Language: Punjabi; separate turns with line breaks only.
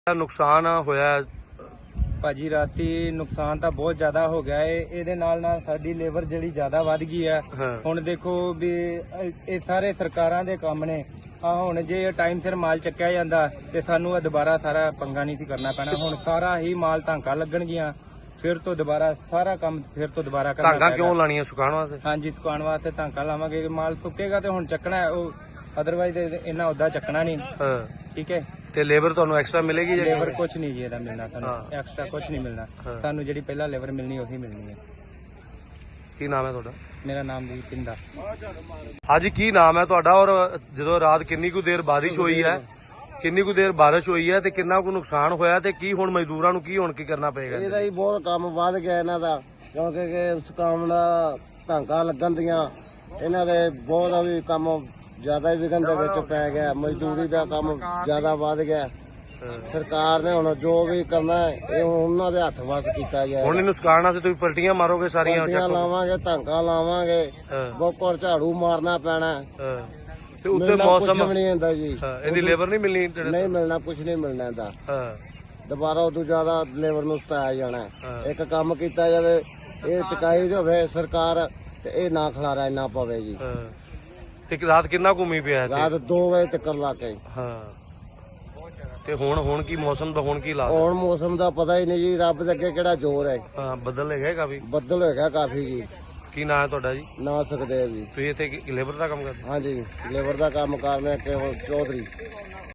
ਨੁਕਸਾਨ ਹੋਇਆ
ਭਾਜੀ ਰਾਤੀ ਨੁਕਸਾਨ ਤਾਂ ਬਹੁਤ ਜ਼ਿਆਦਾ ਹੋ ਗਿਆ ਏ। ਇਹਦੇ ਨਾਲ ਸਾਡੀ ਲੇਬਰ ਜਿਹੜੀ ਜ਼ਿਆਦਾ ਵੱਧ ਗਈ ਆ। ਹੁਣ ਦੇਖੋ ਵੀ ਇਹ ਸਾਰੇ ਸਰਕਾਰਾਂ ਦੇ ਕੰਮ ਨੇ। ਆ ਹੁਣ ਜੇ ਟਾਈਮ ਸਿਰ ਮਾਲ ਚੱਕਿਆ ਜਾਂਦਾ ਤੇ ਸਾਨੂੰ ਦੁਬਾਰਾ ਸਾਰਾ ਪੰਗਾ ਨਹੀਂ ਸੀ ਕਰਨਾ ਪੈਣਾ। ਹੁਣ ਸਾਰਾ ਹੀ ਮਾਲ ਧਾਂਕਾ ਲੱਗਣਗੀਆਂ, ਫਿਰ ਤੋਂ ਦੁਬਾਰਾ ਸਾਰਾ ਕੰਮ ਫਿਰ ਤੋਂ ਦੁਬਾਰਾ ਕਰਨਾ
ਧਾਂਕਾ ਕਿਉਂ ਲਾਣੀਆਂ? ਸੁਕਾਉਣ ਵਾਸਤੇ?
ਹਾਂਜੀ, ਸੁਕਾਉਣ ਵਾਸਤੇ ਧਾਂਕਾ ਲਾਵਾਂਗੇ। ਮਾਲ ਸੁੱਕੇਗਾ ਤੇ ਹੁਣ ਚੱਕਣਾ ਉਹ, ਅਦਰਵਾਈਜ਼ ਇਹਨਾਂ ਉਦਾਂ ਚੱਕਣਾ ਨਹੀਂ। ਠੀਕ ਹੈ।
ਤੇ ਲੇਬਰ ਤੁਹਾਨੂੰ ਐਕਸਟਰਾ ਮਿਲੇਗੀ?
ਲੇਬਰ ਕੁਝ ਨਹੀਂ ਜੀ ਇਹਦਾ ਮਿਲਣਾ, ਸਾਨੂੰ ਐਕਸਟਰਾ ਕੁਝ ਨਹੀਂ ਮਿਲਣਾ। ਸਾਨੂੰ ਜਿਹੜੀ ਪਹਿਲਾਂ ਲੇਬਰ ਮਿਲਣੀ ਉਹੀ ਮਿਲਣੀ ਹੈ।
ਕੀ ਨਾਮ ਹੈ ਤੁਹਾਡਾ?
ਮੇਰਾ ਨਾਮ ਜੀ ਪਿੰਦਾ।
ਹਾਂਜੀ, ਕੀ ਨਾਮ ਹੈ ਤੁਹਾਡਾ? ਔਰ ਜਦੋਂ ਰਾਤ ਕਿੰਨੀ ਕੁ ਦੇਰ ਬਾਰਿਸ਼ ਹੋਈ ਹੈ, ਤੇ ਕਿੰਨਾ ਕੁ ਨੁਕਸਾਨ ਹੋਇਆ ਤੇ ਕੀ ਹੁਣ ਮਜ਼ਦੂਰਾਂ ਨੂੰ ਕੀ ਕਰਨਾ ਪਏਗਾ?
ਇਹਦਾ ਹੀ ਬਹੁਤ ਕੰਮ ਵੱਧ ਗਿਆ ਇਹਨਾਂ ਦਾ, ਕਿਉਂਕਿ ਸੁਕਾਉਣ ਦਾ ਧਾਂਕਾ ਲੱਗਣ ਦੀਆਂ ਇਹਨਾਂ ਦੇ ਬਹੁਤ ਵੀ ਕੰਮ ਜ਼ਿਆਦਾ ਹੀ ਵਿਘਨ ਦੇ ਵਿੱਚ ਪੈ ਗਿਆ। ਮਜ਼ਦੂਰੀ ਦਾ ਕੰਮ ਜ਼ਿਆਦਾ ਵੱਧ ਗਿਆ। ਸਰਕਾਰ ਨੇ ਹੁਣ ਜੋ ਵੀ ਕਰਨਾ ਇਹ ਉਹਨਾਂ ਦੇ ਹੱਥ ਵੱਸ ਕੀਤਾ ਗਿਆ।
ਹੁਣ ਇਹਨੂੰ ਸੁਕਾਉਣ ਵਾਸਤੇ ਤੁਸੀਂ ਪਲਟੀਆਂ ਮਾਰੋਗੇ ਸਾਰੀਆਂ?
ਪਲਟੀਆਂ ਲਾਵਾਂਗੇ, ਧਾਂਕਾ ਲਾਵਾਂਗੇ, ਬੋਕਰ ਝਾੜੂ ਮਾਰਨਾ ਪੈਣਾ।
ਤੇ ਉੱਤੇ ਮੌਸਮ
ਨਹੀਂ ਹੁੰਦਾ ਜੀ,
ਇਹਦੀ ਲੇਬਰ ਨਹੀਂ ਮਿਲਣੀ?
ਨਹੀਂ ਮਿਲਣਾ, ਕੁਝ ਨਹੀਂ ਮਿਲਣਾ ਇਹਦਾ। ਦੁਬਾਰਾ ਉਦੋਂ ਜ਼ਿਆਦਾ ਲੇਬਰ ਨੂੰ ਸਤਾਇਆ ਜਾਣਾ। ਇੱਕ ਕੰਮ ਕੀਤਾ ਜਾਵੇ, ਇਹ ਚੁਕਾਈ ਹੋਵੇ ਸਰਕਾਰ ਤੇ ਇਹ ਨਾ ਖਲਾਰਾ ਇੰਨਾ ਪਵੇ ਜੀ।
ਤੇ ਰਾਤ ਕਿੰਨਾ ਘੁੰਮੀ ਪਿਆ?
ਰਾਤ 2 ਵਜੇ ਤੱਕ ਲਾ ਕੇ।
ਤੇ ਹੁਣ ਕੀ ਮੌਸਮ ਦਾ ਕੀ ਹਾਲਾਤ?
ਹੁਣ ਮੌਸਮ ਦਾ ਪਤਾ ਹੀ ਨਹੀਂ ਜੀ, ਰੱਬ ਦੇ ਅੱਗੇ ਕਿਹੜਾ ਜ਼ੋਰ ਹੈ।
ਬੱਦਲ ਹੈਗਾ ਕਾਫੀ?
ਬੱਦਲ ਹੈਗਾ ਕਾਫੀ ਜੀ।
ਕੀ ਨਾਂ ਹੈ ਤੁਹਾਡਾ ਜੀ?
ਨਾ ਸਕਦੇ ਜੀ।
ਤੁਸੀਂ ਇੱਥੇ ਲੇਬਰ ਦਾ ਕੰਮ ਕਰਦੇ?
ਹਾਂਜੀ, ਲੇਬਰ ਦਾ ਕੰਮ ਕਰਨਾ ਕੇਵਲ ਚੌਧਰੀ।